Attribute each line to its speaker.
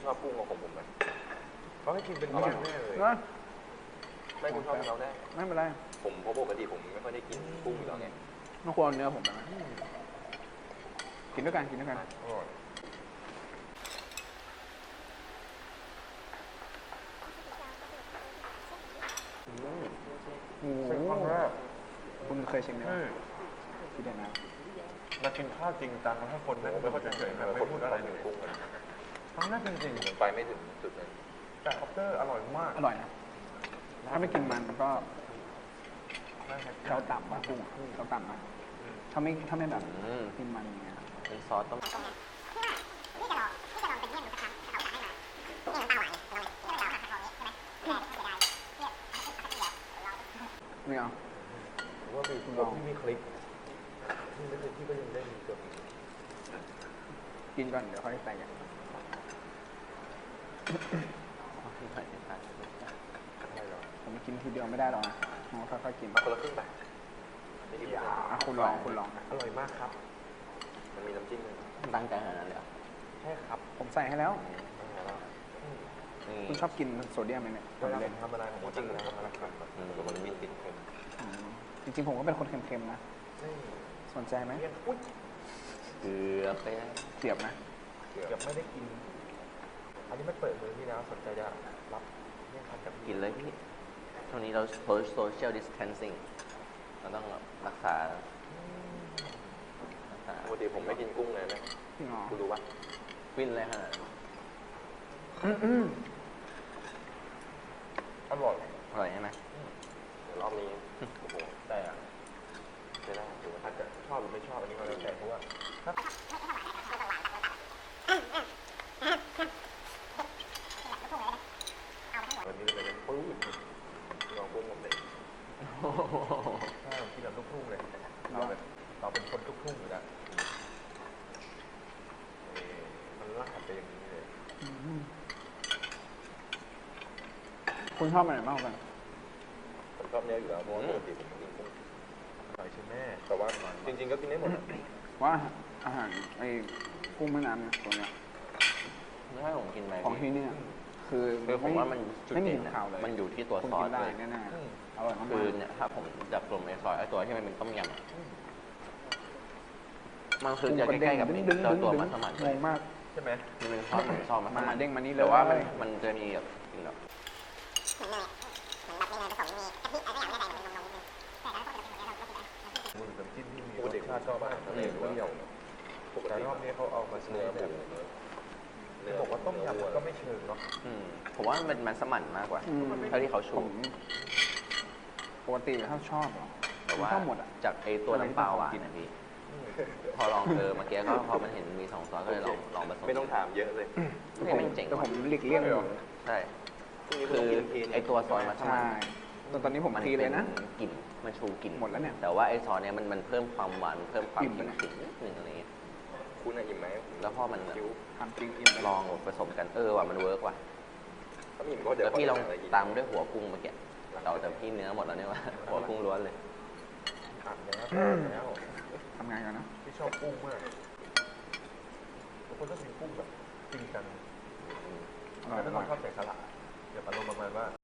Speaker 1: ชอบกุ้งของผมไหมเขาให้กินเป็นเนื้อแน่เลยไม่คุณชอบเราได้
Speaker 2: ไม่เป็นไร
Speaker 1: ผมเพราะปกติผมไม่ค่อยได้กินกุ้งอยู่แล้วไง
Speaker 2: ไม่ควรเนื้อผมนะกินด้วยกันกินด้วยกัน
Speaker 1: อร่อย
Speaker 2: เป็นครั้งแรกคุณเคยชิมไหมที่เดียวนะ
Speaker 3: มากินข้าวจริงจังให้คนไม่ค่อยเฉยๆไม่พูดอะไรหนึ่งกุ้งเลยครั้งแรกจริง
Speaker 1: ๆไปไม่ถึงจุดนั้น
Speaker 3: แต่คอปเตอร์อร่อยมาก
Speaker 2: อร่อยนะถ้าไม่กินมันก็เขาต่ำมากกุ้งเขาต่ำมากถ้าไม่แบบกินมันอย่างเงี้ย
Speaker 4: เป็นซอสต้ม
Speaker 2: ไม่เอา
Speaker 1: ว่าเป็นคุณลองที่มีคลิกที่ไม่เคยที่ก็ยังได้มีเกือบ
Speaker 2: กินก่อนเดี๋ยวค่อยใส่กันผมกินทีเดียวไม่ได้หรอกนะค่อยๆกิน
Speaker 1: คนละครึ่งไป
Speaker 2: คุณลองนะ
Speaker 1: อร่อยมากครับมันมีน้ำจิ้ม
Speaker 4: ตั้งใจขนาดนั้นเลย
Speaker 1: ใช่ครับ
Speaker 2: ผมใส่ให้แล้วคุณชอบกินโซเดียมไหมเนี่ย
Speaker 1: เวลาผมทำอะไรผมจริงนะมันมีติดเค็ม
Speaker 2: จริงๆผมก็เป็นคนเค็มๆนะสนใจไหม
Speaker 4: เกือบไป
Speaker 2: เกียบนะ
Speaker 1: เกือบไม่ได้กินอันนี้ไม่เปิดมือพี่นะสนใจจะรับเนี่ยครับกับ
Speaker 4: กินเลยพี่ช่วงนี้เรา social distancing เราต้องรักษา
Speaker 1: ปกติผมไม่กินกุ้งเลยนะคุณรู้ปะ
Speaker 4: ฟินเลยฮะ
Speaker 1: อร่อย
Speaker 4: ใช่ไหม
Speaker 1: เดี๋ยวรอบนี้โอ้โหแต่จะได้ถือว่าถ้าจะชอบหรือไม่ชอบอันนี้ก็แล้วแต่เพราะว่าวันนี้เลยนะปื้ดลองกุ้งผมเลยใช่ที่แบบลูกทุ่งเลยเราเป็นคนลูกทุ่งอยู่แล้วมันลากไปอย่างนี้เลย
Speaker 2: คุณชอบอะไรมากกัน
Speaker 1: ผมชอบเนื้ออยู่แล้วเพราะว่าปกติผมกินกุ้งอร่อยใช่ไหมแต่ว่าจริงๆก็กินได้หมด
Speaker 2: ว่าอาหารไอ้กุ้งแม่น้ำเนี่ยตัวเนี้ย
Speaker 4: ไม่ให้ผมกินไป
Speaker 2: ของที่นี่คือ
Speaker 4: ผมว่ามันจุดเด่นมันอยู่ที่ตัวซอสเลย
Speaker 2: แน่ๆอร่อยมาก
Speaker 4: คือเนี่ยถ้าผมจับกลุ่มไอ้ซอยไอ้ตัวที่มันเป็นต้มยำมันคือจะใกล้ๆกับตัวมัสมั่น
Speaker 2: งงมาก
Speaker 1: ใช่ไหม
Speaker 4: มันเป็นซอสเหมือนซอสมัสมั่น
Speaker 2: เด้งมานี่เลย
Speaker 4: แต่ว่ามันจะมีแบบกินแบบ
Speaker 1: มือน้ำจิ้มที่มีรสชาติชอบมากทะเลเปรี้ยวแต่รอบนี้เขาเอามาเนื้อหมูจะบอกว่าต้มยำก็ไม่เชิงเนาะ
Speaker 4: ผมว่ามันเป็นมัสมั่นมากกว่าเท่าที่เขาชู
Speaker 2: ปกติถ้าชอบ
Speaker 4: แต่ว่าจากไอ้ตัวน้ำเปล่าหวานนะพี่พอลองเมื่อกี้ก็พอมันเห็นมี2 ซอสก็เลยลองผสม
Speaker 1: ไม่ต้องถามเยอะเลย
Speaker 4: มันเจ๋ง
Speaker 2: แต่ผมหลีกเลี่ยง
Speaker 4: ใช่คือไอ้ตัวซอสมัสมั่น
Speaker 2: ตอนนี้ผมทีเลยนะ
Speaker 4: กลิ่นมันชูกลิ่น
Speaker 2: หมดแล้วเนี่ย
Speaker 4: แต่ว่าไอ้ซอสเนี่ยมันเพิ่มความหวานเพิ่มความกลิ่นนิดนึงอะไรเงี้ย
Speaker 1: คุณอิ่มไหม
Speaker 4: แล้วพอมัน
Speaker 2: ทำจริงอิ่ม
Speaker 4: ลองผสมกันว่ะมันเวิร์กว่ะแล้วพี่ลองตามด้วยหัวกุ้งเมื่อกี้แต่พี่เนื้อหมดแล้วเนี่ยว่าหัวกุ้งล้วนเลย
Speaker 1: แล้ว
Speaker 2: ทำงานกันนะ
Speaker 1: ที่ชอบกุ้งมากบางคนก็กินกุ้งแบบจริงจังแต่ถ้าคนชอบใส่สลัดอย่าอารมณ์ประมาณว่า